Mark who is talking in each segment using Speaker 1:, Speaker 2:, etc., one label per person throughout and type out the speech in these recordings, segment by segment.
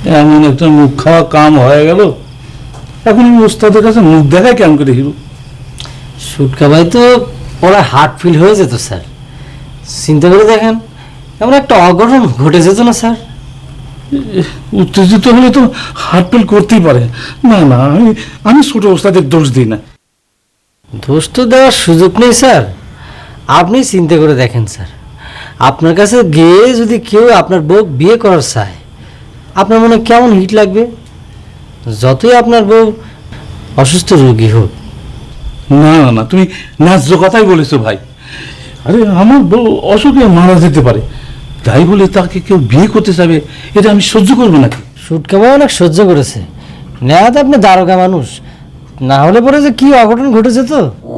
Speaker 1: এমন একটা মুখ খাওয়া কাম হয়ে গেল, এখন আমি ওস্তাদের কাছে মুখ দেখাই কেমন করে হিরো?
Speaker 2: সুটকা ভাই তো ওরা হার্ট ফিল হয়ে যেত স্যার। চিন্তা করে দেখেন, এমন একটা অঘটন ঘটে যেত না স্যার?
Speaker 1: উত্তেজিত হলে তো হার্ট ফেল করতেই পারে। না না, আমি ছোট ওস্তাদের দোষ দিই না।
Speaker 2: দোষ তো দেওয়ার সুযোগ নেই স্যার। আপনি চিন্তা করে দেখেন স্যার, আপনার কাছে গিয়ে যদি কেউ আপনার বউ বিয়ে করার চায়, আপনার মনে কেমন হিট লাগবে? যতই আপনার বউ অসুস্থ রোগী হোক।
Speaker 1: না না না, তুমি ন্যায্য কথাই বলেছো ভাই। আরে আমার বউ অসুখে মারা যেতে পারে, তাই বলে তাকে কেউ বিয়ে করতে চাবে, এটা আমি সহ্য করবো নাকি?
Speaker 2: সুটকা ভাই অনেক সহ্য করেছে, নেহাত আপনি দারোগা মানুষ, না হলে পরে যে কি অঘটন ঘটে যেত।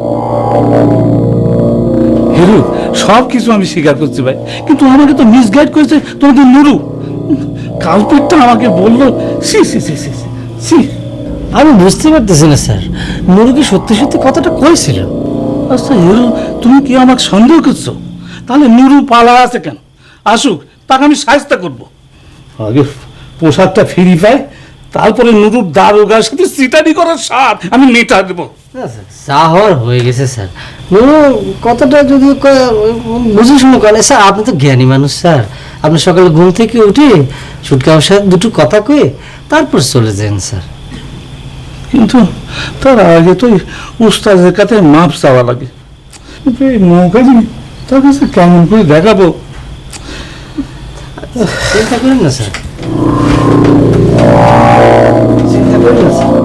Speaker 1: হিরু, সব কিছু আমি স্বীকার করছি ভাই, কিন্তু আমাকে তো মিসগাইড করেছে তোমাদের নুরু। কালপিটটা আমাকে বললো, সি সি সি সি সি।
Speaker 2: আমি বুঝতে পারতেছি না স্যার, নুরু কি সত্যি সত্যি কথাটা কইছিল?
Speaker 1: আচ্ছা হিরু, তুমি কি আমাকে সন্দেহ করছো? তাহলে নুরু পালা আছে কেন? আসুক, তাকে আমি সাহায্য করবো। আগে পোশাকটা ফিরি পাই, তারপরে নুরুর দারোগার সাথে সিটারি করার স্বাদ আমি মেটা দেবো।
Speaker 2: যা হওয়ার হয়ে গেছে স্যার। নুরু কথাটা যদি বুঝে শুনে করেন স্যার, আপনি তো জ্ঞানী মানুষ স্যার। আপনি সকালে ঘুম থেকে উঠে সুটকার সাথে দুটো কথা কয়ে তারপর চলে যান স্যার।
Speaker 1: কিন্তু তার আগে তো উস্তাদের কাছে মাপ চাওয়া লাগে। কিন্তু এই নৌকাজি তার কাছে কেমন করে দেখাবো?
Speaker 2: চিন্তা করেন না স্যার, চিন্তা করেন না স্যার।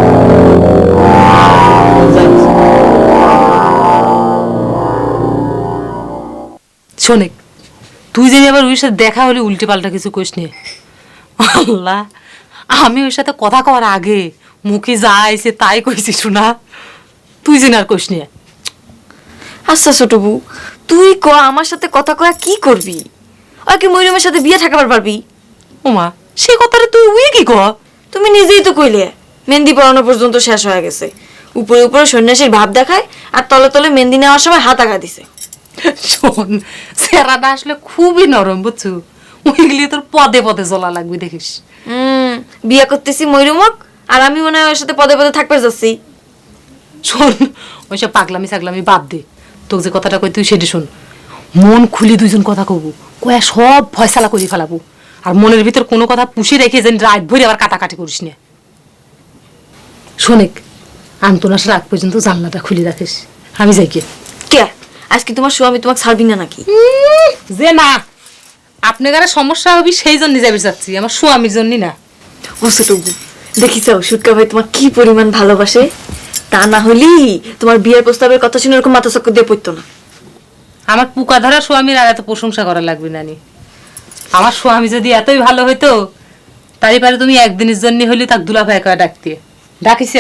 Speaker 3: শোনেক, তুই যদি আবার ওর সাথে দেখা হলে উল্টে পাল্টা কিছু কইস নি। আল্লাহ, আমি ওর সাথে কথা কওয়ার আগে মুখে যা আইছে তাই কইছি শোনা, তুই যেন আর কইস নি।
Speaker 4: আচ্ছা ছোট বউ, তুই ক আমার সাথে কথা কয়া কি করবি? ওকে মরিয়মের সাথে বিয়ে ঠাকাবার পারবি?
Speaker 3: ওমা, সে কথাটা তুই উই কি ক?
Speaker 4: তুমি নিজেই তো কইলে মেহেন্দি পড়ানো পর্যন্ত শেষ হয়ে গেছে। উপরে উপরে সন্ন্যাসীর ভাব দেখায়, আর তলে তলে মেহেন্দি নেওয়ার সময় হাত আগা দিছে।
Speaker 3: শোন, সেরাটা আসলে খুবই নরম বুঝছো, ওইগুলি তোর পদে পদে জ্বলা লাগবে দেখিস।
Speaker 4: বিয়ে করতেছি ময়ূরমক, আর আমি মনে হয় ওর সাথে পদে পদে থাকতে যাচ্ছি।
Speaker 3: শোন, ওইসব পাগলামি ছাগলামি বাদ দে, তোকে যে কথাটা কই তুই সেটা শোন। মন খুলে দুইজন কথা কব, কয়া সব ফয়সালা করে ফেলাবো। আর মনের ভিতর কোনো কথা পুষে রেখে যেন রাত ভরে আবার কাটাকাটি করিস না। শোনেক, আন্তনাস রাত পর্যন্ত জানলাটা খুলে রাখিস, আমি যাই কে।
Speaker 4: কে আজকে তোমার স্বামী তোমাকে ছাড়বি না নাকি?
Speaker 3: যে না, আপনার সমস্যা হবে সেই জন্য যাবে যাচ্ছি, আমার স্বামীর জন্য না।
Speaker 4: ও ছোট বউ, দেখিস সুটকা ভাই তোমার কি পরিমাণ ভালোবাসে। তা না হলি তোমার বিয়ের প্রস্তাবের কথা শুনে এরকম মাথা চক্কর দিয়ে পড়তো না।
Speaker 3: আমার পুকা ধরা স্বামীর আর এত প্রশংসা করা লাগবে না নি। আমার স্বামী যদি এতই ভালো হইতো, তারই পারে তুমি একদিনের জন্য হলে তাক দুলা ভাই কয়া ডাকতে ডাকিস।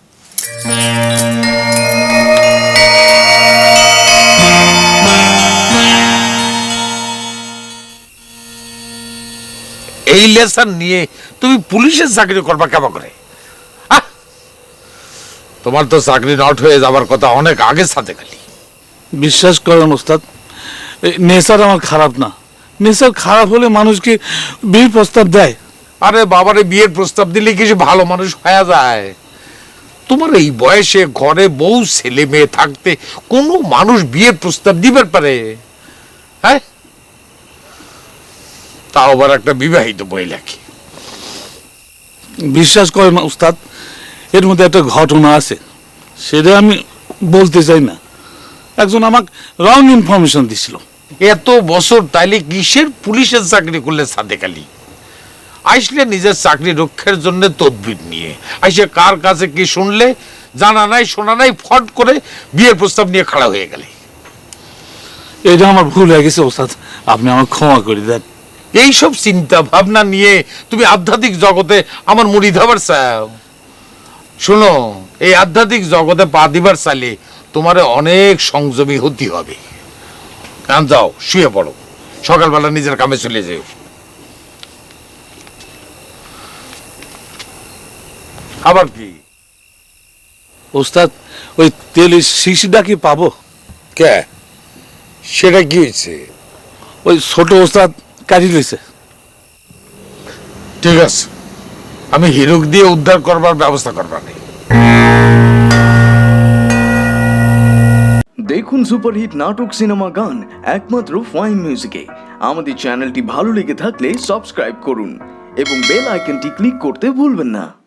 Speaker 5: এই লেসন নিয়ে তুমি পুলিশের চাকরি করবা কেমন করে? তোমার তো চাকরি নট হয়ে যাবার কথা অনেক আগে সাথে খালি।
Speaker 1: বিশ্বাস করেন ওস্তাদ, নেশার আমার খারাপ না। নেশার খারাপ হলে মানুষকে বিয়ের প্রস্তাব দেয়।
Speaker 5: আরে বাবারে, বিয়ের প্রস্তাব দিলে কিছু ভালো মানুষ হয়ে যায়? তোমার এই বয়সে ঘরে বউ ছেলে মেয়ে থাকতে কোনো মানুষ বিয়ের প্রস্তাব দিবার পারে? হ্যাঁ, তাও আবার একটা বিবাহিত মহিলাকে।
Speaker 1: বিশ্বাস করেন ওস্তাদ, এর মধ্যে একটা ঘটনা আছে, সেটা আমি বলতে চাই না। একজন আমাকে রং ইনফরমেশন দিছিল।
Speaker 5: এত বছর তাইলে কিসের পুলিশের চাকরি করলে সাদেক আলী? আইসলে নিজের চাকরি রক্ষার জন্য তদবির নিয়ে আইসে কার কাছে কি শুনলে, জানা নাই শোনা নাই, ফট করে বিয়ের প্রস্তাব নিয়ে খাড়া হয়ে গেলে।
Speaker 1: এটা আমার ভুল হয়ে গেছে ওস্তাদ, আপনি আমার ক্ষমা করে দেন।
Speaker 5: এইসব চিন্তা ভাবনা নিয়ে তুমি আধ্যাত্মিক জগতে আমার মুড়ি ধাবার চাও? শোনো, এই আধ্যাত্মিক জগতে পা দিবার চাইলে তোমার অনেক সংযমী হতে হবে। কান যাও, শুয়ে পড়ো, সকালবেলা নিজের কামে চলে যাও। আবার কি
Speaker 1: ওস্তাদ, ওই তেলের শিশিটা কি পাবো?
Speaker 5: কে, সেটা কি হয়েছে?
Speaker 1: ওই ছোট ওস্তাদ কাটি লইছে।
Speaker 5: ঠিক আছে, আমি হিরোক দিয়ে উদ্ধার করবার ব্যবস্থা করবার নেই।
Speaker 6: দেখুন সুপারহিট নাটক সিনেমা গান একমাত্র ফাইন মিউজিকে। আমাদের চ্যানেলটি ভালো লেগে থাকলে সাবস্ক্রাইব করুন এবং বেল আইকনটি ক্লিক করতে ভুলবেন না।